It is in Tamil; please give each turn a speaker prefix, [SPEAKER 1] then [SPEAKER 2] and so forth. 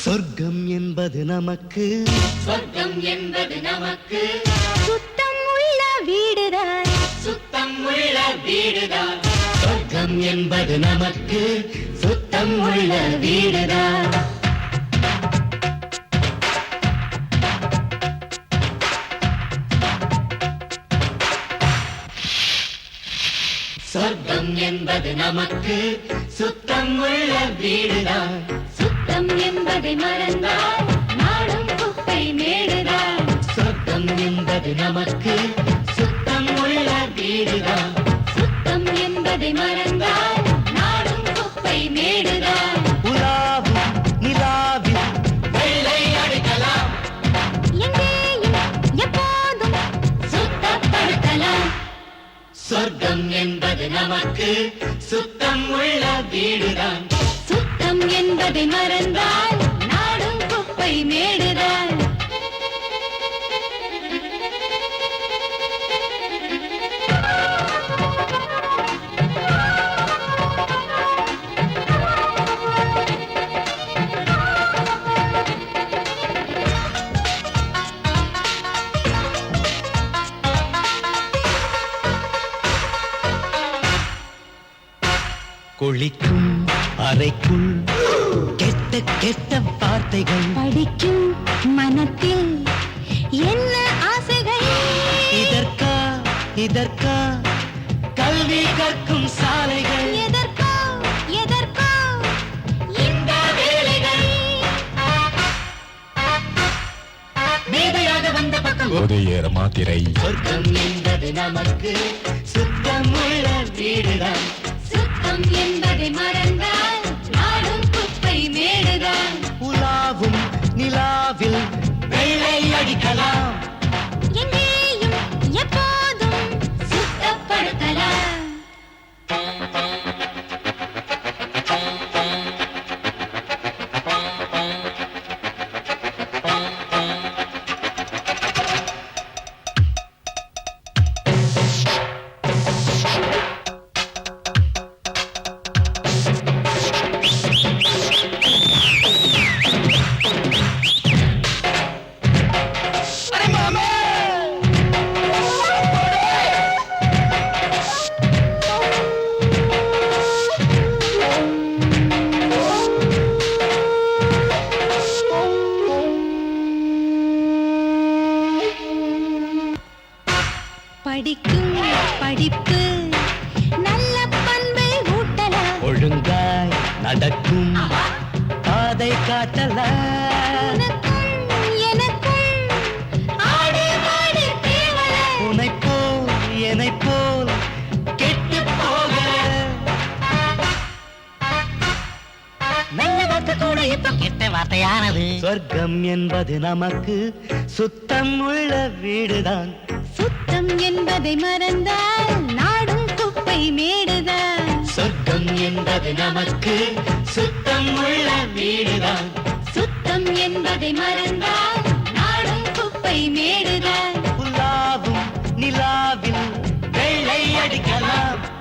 [SPEAKER 1] சொர்க்கம் என்பது நமக்கு
[SPEAKER 2] சுத்தம் உள்ள வீடுதான்
[SPEAKER 1] சொர்க்கம் என்பது நமக்கு சுத்தம் உள்ள வீடுதான் சொர்க்கம் என்பது நமக்கு சுத்தம் உள்ள வீடுதான்
[SPEAKER 2] சுத்தம் என்பதை மறந்தால் நாடும் குப்பை மேடுதான்
[SPEAKER 1] சொர்க்கம் என்பது நமக்கு சுத்தம் உள்ள வீடுதான்
[SPEAKER 2] சுத்தம் என்பதை மறந்தால் நாடும் குப்பை மேடுதான்
[SPEAKER 1] உலாவும் நிலாவில் வெள்ளை அடிக்கலாம்
[SPEAKER 2] எங்கேயும் எப்போதும் சுத்தப்படுத்தலாம்
[SPEAKER 1] சொர்க்கம் என்பது நமக்கு சுத்தம் உள்ள வீடுதான்
[SPEAKER 2] சுத்தம் என்பதை மறந்தால் நாடும் குப்பை மேடுதான்
[SPEAKER 1] குளிக்கும் அறைக்குள் கெட்ட கெட்ட வார்த்தைகள்
[SPEAKER 2] படிக்கும் மனத்தில் என்ன ஆசைகள்
[SPEAKER 1] இதற்கா கல்வி கற்கும் சாலைகள்
[SPEAKER 2] எதற்கோ இந்த வேலைகள்
[SPEAKER 1] மேதையாக வந்த பக்கம்
[SPEAKER 3] உதயர் மாத்திரை
[SPEAKER 1] சொர்க்கம் என்பது நமக்கு சுத்தம் உள்ள வீடுதான்
[SPEAKER 2] சுத்தம் என்பதை மறந்தால் நாடும் குப்பை மேடுதான்
[SPEAKER 1] உலாவும் நிலாவில் வெள்ளை அடிக்கலாம்
[SPEAKER 2] எங்கேயும் எப்போதும் சுத்தப்படுத்தலாம் படிக்கும் படிப்பு நல்ல பண்பை ஊட்டலாம்
[SPEAKER 1] ஒழுங்காய் நடக்கும் பாதை காட்டலாம்
[SPEAKER 2] உனக்கும் எனக்கும் ஆடு மாடு தேவல
[SPEAKER 1] உனைப் போல் கெட்டு போக
[SPEAKER 4] நல்ல வார்த்தை கூட இப்ப கெட்ட வார்த்தையானது.
[SPEAKER 1] சொர்க்கம் என்பது நமக்கு சுத்தம் உள்ள வீடுதான்
[SPEAKER 2] சுத்தம் என்பதை மறந்தால் நாடும் குப்பை மேடுதான்
[SPEAKER 1] சொர்க்கம் என்பது நமக்கு சுத்தம் உள்ள வீடுதான்
[SPEAKER 2] சுத்தம் என்பதை மறந்தால் நாடும் குப்பை மேடுதான்
[SPEAKER 1] உலாவும் நிலாவில் வெள்ளை அடிக்கலாம்